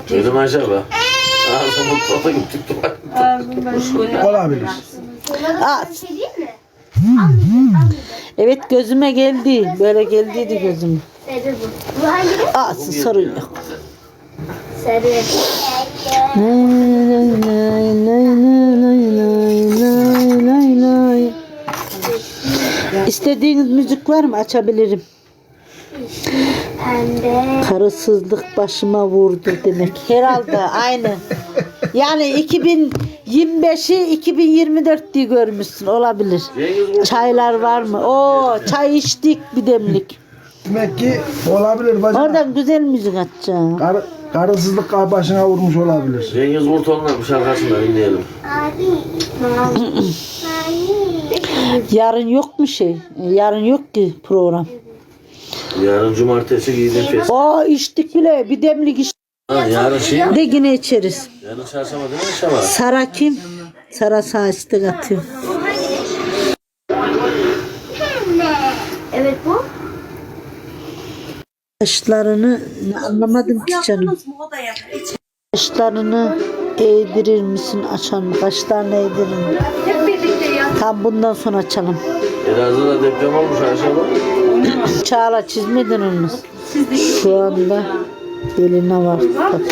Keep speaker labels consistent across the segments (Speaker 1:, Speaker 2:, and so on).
Speaker 1: Dedim acaba. Ağzımı mutfağa gittik.
Speaker 2: Olabilir.
Speaker 3: Aa, evet gözüme geldi. Böyle geldiydi gözüme.
Speaker 4: Sarı bu. Bu hangi?
Speaker 3: Aa, sorun yok.
Speaker 4: Sarı.
Speaker 3: Lay lay lay lay lay lay lay lay. İstediğiniz müzik var mı? Açabilirim.
Speaker 4: Pembe.
Speaker 3: Karısızlık başıma vurdu demek. Herhalde aynı. Yani 2025'i 2024 diye görmüşsün. Olabilir. Çaylar var mı? Oo, çay içtik bir demlik.
Speaker 2: Demek ki olabilir bacım.
Speaker 3: Oradan güzel müzik açacağım.
Speaker 2: Karısızlık başına vurmuş olabilir.
Speaker 1: Cengiz Kurtoğlu'nun bir şarkısını da dinleyelim.
Speaker 4: Abi. Mavi.
Speaker 3: Yarın yok mu şey? Yarın yok ki program.
Speaker 1: Yarın cumartesi giydim fes.
Speaker 3: Aa, içtik bile. Bir demlik içtik.
Speaker 1: Ha, yarın şey mi?
Speaker 3: De yine içeriz.
Speaker 1: Yarın çarşamba değil mi Şaba?
Speaker 3: Sara kim? Sara sağ istek atıyor.
Speaker 4: Evet bu.
Speaker 3: Kaşlarını anlamadım ki canım. Kaşlarını eğdirir misin açan mı? Kaşlarını eğdirir mi?
Speaker 4: Hep birlikte ya.
Speaker 3: Tam bundan sonra açalım.
Speaker 1: Elazığ'da deprem olmuş Ayşaba.
Speaker 3: Çağla çizmedin onu. Şu anda beline var. Bak.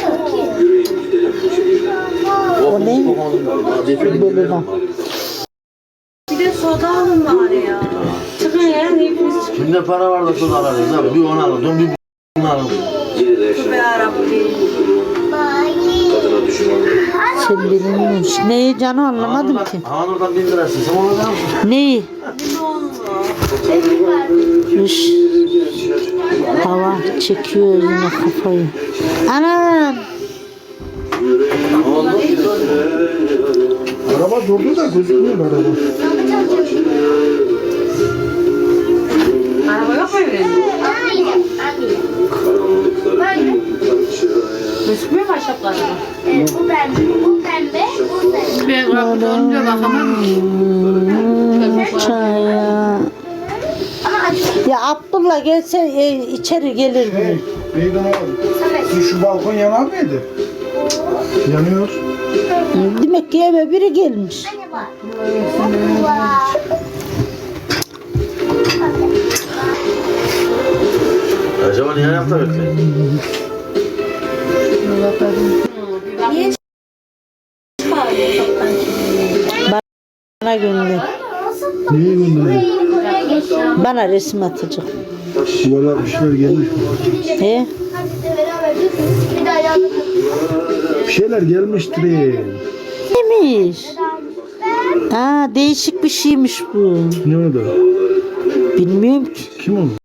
Speaker 3: O ne? Beline.
Speaker 5: Bir de soda alın bari ya. Çıkın ya.
Speaker 1: Kimde para var da tuz alırız abi. Bir onu alın, bir bunu alın.
Speaker 5: Be Rabbi.
Speaker 3: Sen bilinmiş. Neyi canı anlamadım ki.
Speaker 1: Hanur'dan 1000 lirasın. Sen onu da mısın?
Speaker 3: Neyi? Üş. Hava çekiyor yine kafayı. Anam.
Speaker 1: Ne oldu?
Speaker 2: Araba durdu da gözükmüyor araba.
Speaker 5: Araba yok mu evde? Gözükmüyor mu aşağılarda?
Speaker 4: Bu pembe. Bu pembe. Bu pembe.
Speaker 5: Ben kapıda olunca bakamam ki.
Speaker 3: Çaya.
Speaker 4: Ama açık.
Speaker 3: Ya Abdullah gelse içeri gelir mi?
Speaker 2: Neydi o? Şu balkon yanar mıydı? Yanıyor.
Speaker 3: Demek ki eve biri gelmiş.
Speaker 1: Acaba niye ayakta bekleyin?
Speaker 3: Bana gönder.
Speaker 2: Niye gönderiyor?
Speaker 3: Bana resim atacak.
Speaker 2: Valla bir şeyler gelmiş.
Speaker 3: He?
Speaker 4: Bir daha yandım.
Speaker 2: Bir şeyler gelmiştir.
Speaker 3: Neymiş? Aa, değişik bir şeymiş bu.
Speaker 2: Ne oldu?
Speaker 3: Bilmiyorum ki.
Speaker 2: Kim o?